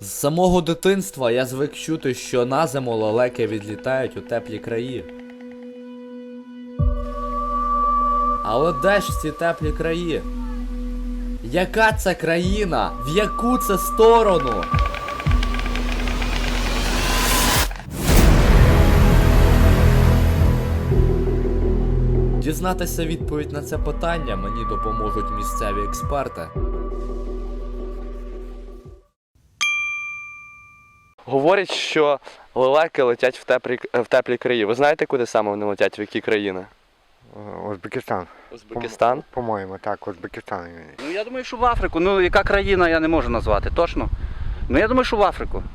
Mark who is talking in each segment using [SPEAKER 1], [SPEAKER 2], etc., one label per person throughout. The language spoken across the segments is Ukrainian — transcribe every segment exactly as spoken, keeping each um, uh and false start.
[SPEAKER 1] З самого дитинства я звик чути, що на зиму лелеки відлітають у теплі краї. Але де ж ці теплі краї? Яка це країна? В яку це сторону? Дізнатися відповідь на це питання мені допоможуть місцеві експерти.
[SPEAKER 2] Говорять, що лелеки летять в теплі, в теплі краї. Ви знаєте, куди саме вони летять, в які країни?
[SPEAKER 3] Узбекистан.
[SPEAKER 2] Узбекистан?
[SPEAKER 3] По-моєму, так, Узбекистан.
[SPEAKER 4] Ну я думаю, що в Африку. Ну яка країна, я не можу назвати, точно. Ну я думаю, що в Африку.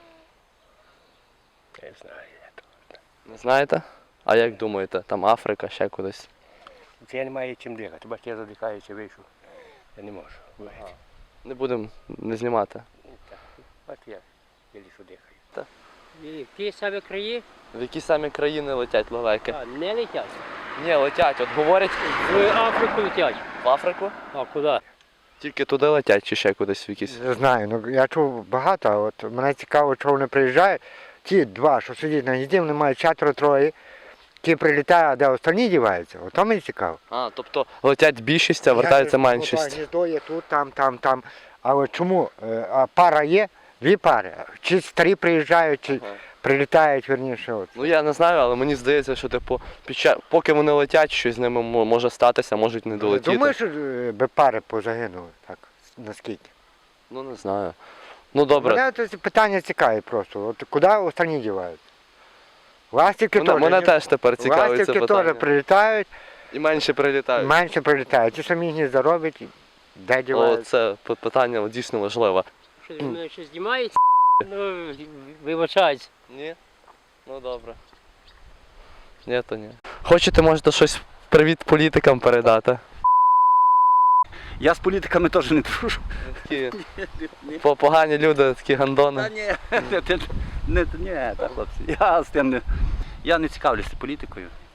[SPEAKER 3] Не знаю.
[SPEAKER 2] Не знаєте? А як думаєте, там Африка, ще кудись?
[SPEAKER 3] Я не маю чим дихати, бо я задихаюся, вийшов. Я не можу.
[SPEAKER 2] Ага. Не будемо не знімати.
[SPEAKER 3] От я лише дихаю.
[SPEAKER 5] В ті самі краї
[SPEAKER 2] В які самі країни летять лелеки?
[SPEAKER 5] а, не летять.
[SPEAKER 2] Ні, летять. От говорять
[SPEAKER 5] В Африку летять.
[SPEAKER 2] в Африку.
[SPEAKER 5] А куди?
[SPEAKER 2] Тільки туди летять чи ще кудись в якісь?
[SPEAKER 3] Не знаю, ну я чув багато, а от мене цікаво, що вони приїжджають. Ті два, що сидять на гнізді, вони мають четверо-троє, ті прилітають, а де останні діваються. Ото мені цікаво.
[SPEAKER 2] А, тобто летять більшість, а вертається
[SPEAKER 3] Я кажу,
[SPEAKER 2] меншість.
[SPEAKER 3] ну, так, гніздо є тут, там, там, там. Але чому? Е, А пара є? Дві пари. Чи старі приїжджають, чи
[SPEAKER 2] Ага.
[SPEAKER 3] прилітають, верніше. От.
[SPEAKER 2] Ну я не знаю, але мені здається, що типу, під час, поки вони летять, щось з ними мо- може статися, можуть не долетіти.
[SPEAKER 3] Думаю, що е, би пари позагинули, так, наскільки?
[SPEAKER 2] Ну не знаю. Ну добре.
[SPEAKER 3] Мене це питання цікаве просто. От куди останні дівають? Ластівки
[SPEAKER 2] Мене,
[SPEAKER 3] теж.
[SPEAKER 2] мене
[SPEAKER 3] ні?
[SPEAKER 2] теж тепер цікавить це
[SPEAKER 3] Ластівки
[SPEAKER 2] питання.
[SPEAKER 3] теж прилітають,
[SPEAKER 2] І менше прилітають.
[SPEAKER 3] менше прилітають. Ті самі гнізда роблять, де
[SPEAKER 2] О,
[SPEAKER 3] дівають.
[SPEAKER 2] це п- питання дійсно важливе.
[SPEAKER 5] Що з мене щось знімається? Ну, вибачається.
[SPEAKER 2] Ні? Ну добре. Ні, то ні. Хочете, можете щось привіт політикам передати?
[SPEAKER 4] Я з політиками теж не дружу.
[SPEAKER 2] Такі по- погані люди, такі гандони.
[SPEAKER 4] Та ні, не, не, не, ні, та, хлопці. Я з тим не, я не цікавлюся політикою.